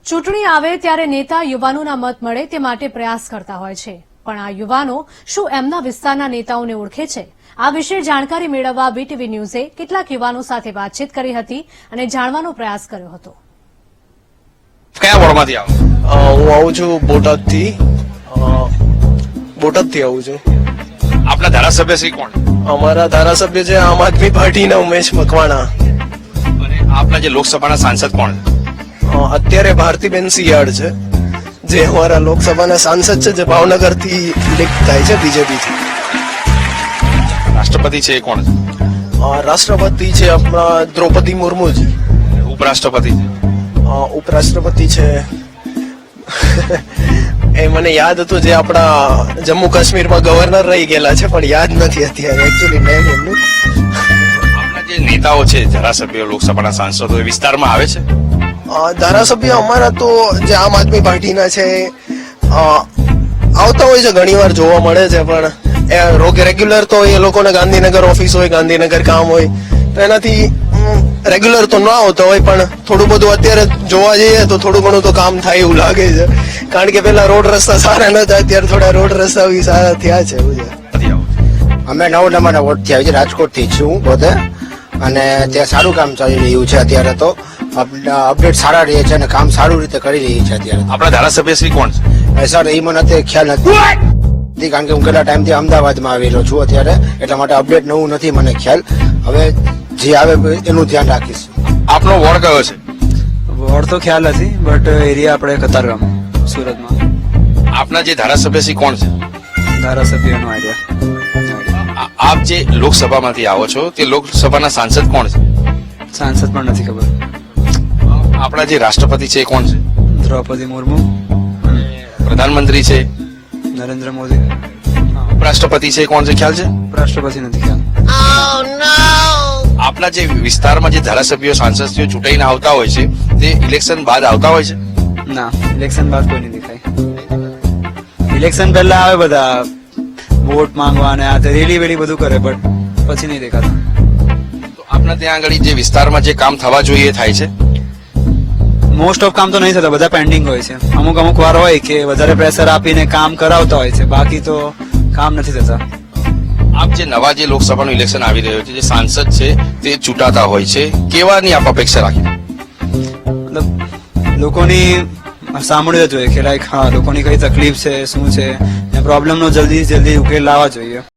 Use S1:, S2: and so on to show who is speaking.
S1: ચૂંટણી આવે ત્યારે નેતા યુવાનોના મત મળે તે માટે પ્રયાસ કરતા હોય છે, પણ આ યુવાનો શું એમના વિસ્તારના નેતાઓને ઓળખે છે? આ વિશે જાણકારી મેળવવા બીટીવી ન્યૂઝે કેટલાક યુવાનો સાથે વાતચીત કરી હતી અને જાણવાનો પ્રયાસ કર્યો હતો.
S2: કયા વોર્ડમાંથી આવો?
S3: હું આવું છું બોટાદથી આવું છું.
S2: આપના ધારાસભ્ય શ્રી કોણ?
S3: અમારા ધારાસભ્ય છે આમ આદમી પાર્ટીના ઉમેશ મકવાણા.
S2: અને આપના જે લોકસભાના સાંસદ કોણ?
S3: અત્યારે ભારતીબેન સિયાડ છે, જે અમારા લોકસભાના સાંસદ છે, જે ભાવનગરથી ઇલેક્ટ થાય છે બીજેપી થી.
S2: રાષ્ટ્રપતિ છે એ કોણ?
S3: રાષ્ટ્રપતિ છે આપણા દ્રૌપદી મુર્મુજી.
S2: ઉપરાષ્ટ્રપતિ છે?
S3: ઉપરાષ્ટ્રપતિ છે એ મને યાદ હતું, જે આપણા જમ્મુ કાશ્મીરમાં ગવર્નર રહી ગયેલા છે, પણ યાદ નથી અત્યારે એકચ્યુઅલી નેમ એમનું.
S2: આપના જે નેતાઓ છે ધારાસભ્યો લોકસભાના સાંસદો એ વિસ્તારમાં આવે છે?
S3: ધારાસભ્ય અમારા તો જે આમ આદમી પાર્ટીના છે આવતા હોય છે, ઘણી વાર જોવા મળે છે, પણ રેગ્યુલર તો એ લોકોને ગાંધીનગર ઓફિસ હોય, ગાંધીનગર કામ હોય, તો એનાથી રેગ્યુલર તો ના આવતા હોય, પણ થોડું બધું અત્યારે જોવા જઈએ તો થોડું ઘણું તો કામ થાય એવું લાગે છે, કારણ કે પેલા રોડ રસ્તા સારા નતા, અત્યારે થોડા રોડ રસ્તા બી સારા થયા છે.
S4: અમે 9 નંબરના વોર્ડથી આવી છે, રાજકોટથી છું પોતે, અને ત્યાં સારું કામ ચાલી રહ્યું છે. અત્યારે તો અપડેટ સારા રહે છે અને કામ સારું રીતે કરી રહી છે અત્યારે.
S2: આપણા ધારાસભ્ય શ્રી કોણ છે?
S4: સર એ મને અત્યારે ખ્યાલ નથી, કારણ કે હું કેટલા ટાઈમથી અમદાવાદમાં આવેલો છું અત્યારે, એટલા માટે અપડેટ નવું નથી મને ખ્યાલ. હવે જે આવે એનું ધ્યાન રાખીશ.
S2: આપનો વોર્ડ કયો છે?
S5: વોર્ડ તો ખ્યાલ નથી, બટ એરિયા આપણે કતારગામ સુરતમાં.
S2: આપના જે ધારાસભ્ય શ્રી કોણ છે?
S5: ધારાસભ્યનો આઈડિયા.
S2: આપ જે લોકસભામાંથી આવો છો તે લોકસભાના સાંસદ કોણ છે?
S5: સાંસદ પણ નથી ખબર.
S2: આપણા જે રાષ્ટ્રપતિ છે એ કોણ છે?
S5: દ્રૌપદી મુર્મુ.
S2: પ્રધાનમંત્રી છે?
S5: નરેન્દ્ર મોદી.
S2: ઉપરાષ્ટ્રપતિ છે એ કોણ છે, ખ્યાલ છે?
S5: રાષ્ટ્રપતિ નથી ખ્યાલ.
S2: આપના જે વિસ્તારમાં જે ધારાસભ્યો સાંસદીઓ ચૂંટાઈને આવતા હોય છે તે ઇલેક્શન બાદ આવતા હોય છે?
S5: ના, ઇલેક્શન બાદ કોઈ નહીં દેખાય. ઇલેક્શન પહેલા આવે બધા વોટ માંગવા અને આ રેલી વેલી બધું કરે, બટ પછી નહીં દેખાતા.
S2: તો આપના ત્યાં આગળ જે વિસ્તારમાં જે કામ થવા જોઈએ થાય છે?
S5: મોસ્ટ ઓફ કામ તો નહીં થતા, બધા પેન્ડિંગ હોય છે. અમુક વાર હોય કે વધારે પ્રેશર આપીને કામ કરાવતા હોય છે, બાકી તો કામ નથી થતા.
S2: આપ જે નવા જે લોકસભાનું ઇલેક્શન આવી રહ્યું છે, જે સાંસદ છે તે ચૂંટાતા હોય છે, કેવાની આપ અપેક્ષા રાખી?
S5: મતલબ લોકોની સાંભળવું જોઈએ કે લાઈક હા લોકોની કઈ તકલીફ છે, શું છે, પ્રોબ્લેમનો જલ્દી ઉકેલ લાવવા જોઈએ.